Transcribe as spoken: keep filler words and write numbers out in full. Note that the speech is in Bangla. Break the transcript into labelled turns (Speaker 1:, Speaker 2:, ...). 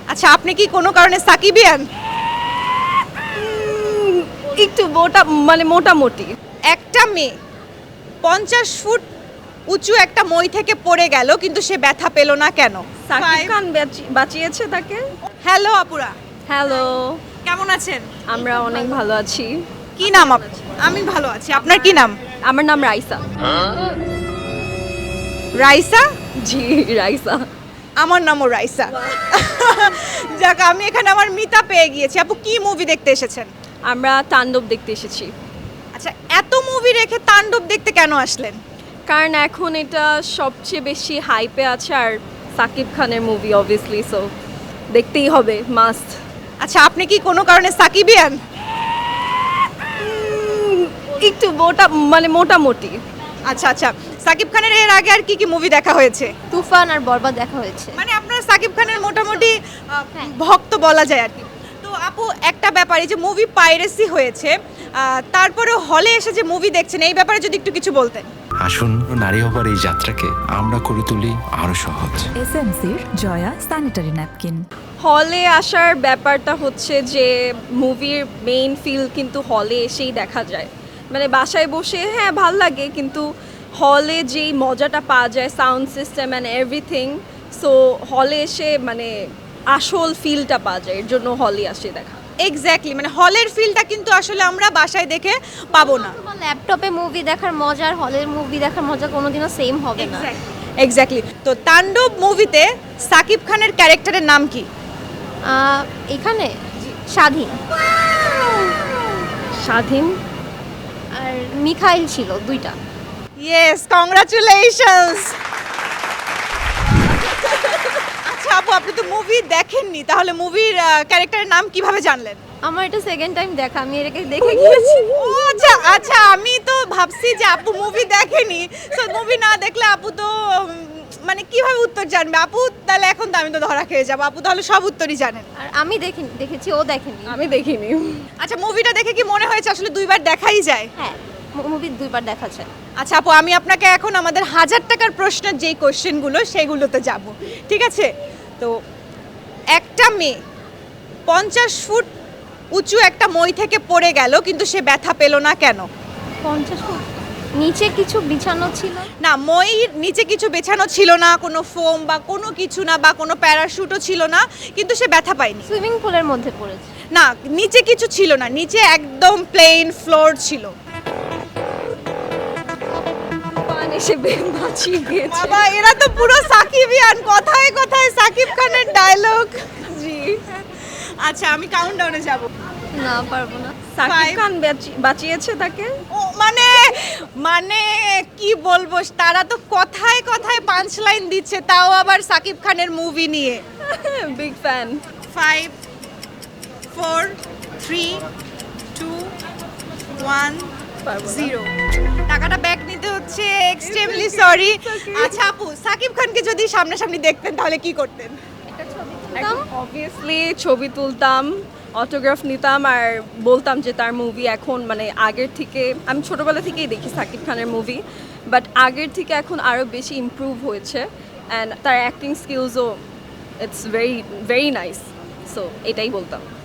Speaker 1: আচ্ছা, আপনি কি কোনো কারণে সাকিবিয়ান?
Speaker 2: একটু মোটা মানে মোটামুটি।
Speaker 1: একটা মেয়ে পঞ্চাশ ফুট উঁচু একটা মই থেকে পড়ে গেল, কিন্তু সে ব্যথা পেল না কেন?
Speaker 2: সাকিব খান বাঁচি- বাঁচিয়েছে তাকে।
Speaker 1: হ্যালো আপুরা,
Speaker 2: হ্যালো,
Speaker 1: কেমন আছেন?
Speaker 2: আমরা অনেক ভালো আছি।
Speaker 1: কি নাম আপনার? আমি ভালো আছি। আপনার কি নাম?
Speaker 2: আমার নাম রাইসা।
Speaker 1: রাইসা?
Speaker 2: জি, রাইসা।
Speaker 1: আমার নামও রাইসা। যাক, আমি এখানে আমার মিতা পেয়ে গিয়েছি। আপু, কি মুভি দেখতে এসেছেন?
Speaker 2: আমরা তাণ্ডব দেখতে এসেছি,
Speaker 1: আচ্ছা, এত মুভি রেখে তাণ্ডব দেখতে কেন আসলেন?
Speaker 2: কারণ এখন এটা সবচেয়ে বেশি হাইপে আছে আর সাকিব খানের মুভি অবভিয়াসলি, সো দেখতেই হবে, মাস্ট।
Speaker 1: আচ্ছা, আপনি কি কোনো কারণে সাকিবিয়ান?
Speaker 2: একটু মোটা মানে মোটামুটি।
Speaker 1: আচ্ছা আচ্ছা, সাকিব খানের এর আগে আর কি কি মুভি দেখা হয়েছে?
Speaker 3: তুফান আর বরবাদ দেখা হয়েছে।
Speaker 1: মানে আপনার সাকিব খানের মোটামুটি আহ,
Speaker 3: হ্যাঁ।
Speaker 1: ভক্ত বলা যায় আর কি। তো আপু, একটা ব্যাপার, এই যে মুভি পাইরেসি হয়েছে, আহ, তারপরে হলে এসে যে মুভি দেখছেন, এই ব্যাপারে যদি একটু কিছু বলতেন।
Speaker 4: আসুন, নারী হবার এই যাত্রাকে আমরা করে তুলি আরো সহজ।
Speaker 5: এসএমসির জয়া স্যানিটারি ন্যাপকিন।
Speaker 2: হলে আসার ব্যাপারটা হচ্ছে যে মুভির মেইন ফিল কিন্তু হলে এসেই দেখা যায়। মানে বাসায় বসে হ্যাঁ ভাল লাগে, কিন্তু হলে যেই মজাটা পাওয়া যায়, sound system and everything, so হলে এসে মানে আসল ফিলটা পাওয়া যায়, এর জন্য হলে আসে দেখা।
Speaker 1: এক্স্যাক্টলি, মানে হলের ফিলটা কিন্তু আসলে আমরা বাসায় দেখে পাবো না।
Speaker 3: তোমার ল্যাপটপে মুভি দেখার মজা আর হলের মুভি দেখার মজা কোনোদিনও সেম হবে না।
Speaker 1: এক্স্যাক্টলি। তো তাণ্ডব মুভিতে সাকিব খানের ক্যারেক্টারের নাম কি?
Speaker 3: আহ, এখানে স্বাধীন
Speaker 2: স্বাধীন
Speaker 3: আর মিখাইল ছিল দুইটা।
Speaker 1: Yes, congratulations. আচ্ছা আপু, আপনি তো মুভি দেখেননি, তাহলে মুভির ক্যারেক্টারের নাম কিভাবে জানলেন?
Speaker 3: আমার এটা সেকেন্ড টাইম দেখা, আমি এটাকে দেখে গিয়েছি।
Speaker 1: ও আচ্ছা আচ্ছা, আমি তো ভাবছি যে আপু মুভি দেখেনি, তো মুভি না দেখলে আপু তো উম, মানে কিভাবে উত্তর জানবে আপু? তাহলে এখন তো আমি তো ধরা খেয়ে যাবো। আপু তাহলে সব উত্তরই জানেন।
Speaker 3: আর আমি দেখিনি, দেখেছি, ও দেখেনি।
Speaker 2: আমি দেখিনি।
Speaker 1: আচ্ছা, মুভিটা দেখে কি মনে হয়েছে আসলে দুইবার দেখাই যায়?
Speaker 3: হ্যাঁ, মুভি দুইবার দেখা যায়।
Speaker 1: আচ্ছা আপু, আমি আপনাকে এখন আমাদের হাজার টাকার প্রশ্নের যেই কোশ্চেনগুলো সেগুলোতে যাব, ঠিক আছে? তো একটা মেয়ে পঞ্চাশ ফুট উঁচু একটা মই থেকে পড়ে গেল, কিন্তু সে ব্যথা পেল না কেন?
Speaker 3: পঞ্চাশ ফুট নিচে কিছু বিছানো ছিল।
Speaker 1: না, মইয়ের নিচে কিছু বেছানো ছিল না, কোনো ফোম বা কোনো কিছু না, বা কোনো প্যারাশুটও ছিল না, কিন্তু সে ব্যথা পায়নি।
Speaker 3: সুইমিং পুলের মধ্যে পড়েছে।
Speaker 1: না, নিচে কিছু ছিল না, নিচে একদম প্লেন ফ্লোর ছিল।
Speaker 2: পান এসে বে- বাঁচিয়ে গিয়েছে।
Speaker 1: বাবা, এরা তো পুরো সাকিবিয়ান, কথায় কথায় সাকিব খানের ডায়লগ।
Speaker 2: জি,
Speaker 1: আচ্ছা, আমি কাউন্টডাউনে যাব।
Speaker 3: না, পারবো না।
Speaker 2: সাকিব
Speaker 1: Five.
Speaker 2: খান বাঁচি- বাঁচিয়েছে তাকে।
Speaker 1: ও মানে মানে কি বলবো, তারা তো কথায় কথায় পাঁচ লাইন দিচ্ছে, তাও আবার সাকিব খানের মুভি নিয়ে।
Speaker 2: Big fan.
Speaker 1: Five, four, three, two, one, zero. টাকাটা ব্যাক নিতে হচ্ছে, এক্সট্রিমলি সরি। আচ্ছা আপু, সাকিব খানকে যদি সামনাসামনি দেখতেন তাহলে কি করতেন?
Speaker 2: অবভিয়াসলি ছবি তুলতাম, অটোগ্রাফ নিতাম আর বলতাম যে তার মুভি এখন মানে আগের থেকে, আমি ছোটোবেলা থেকেই দেখি সাকিব খানের মুভি, বাট আগের থেকে এখন আরও বেশি ইমপ্রুভ হয়েছে অ্যান্ড তার অ্যাক্টিং স্কিলসও it's very very nice, so এটাই বলতাম।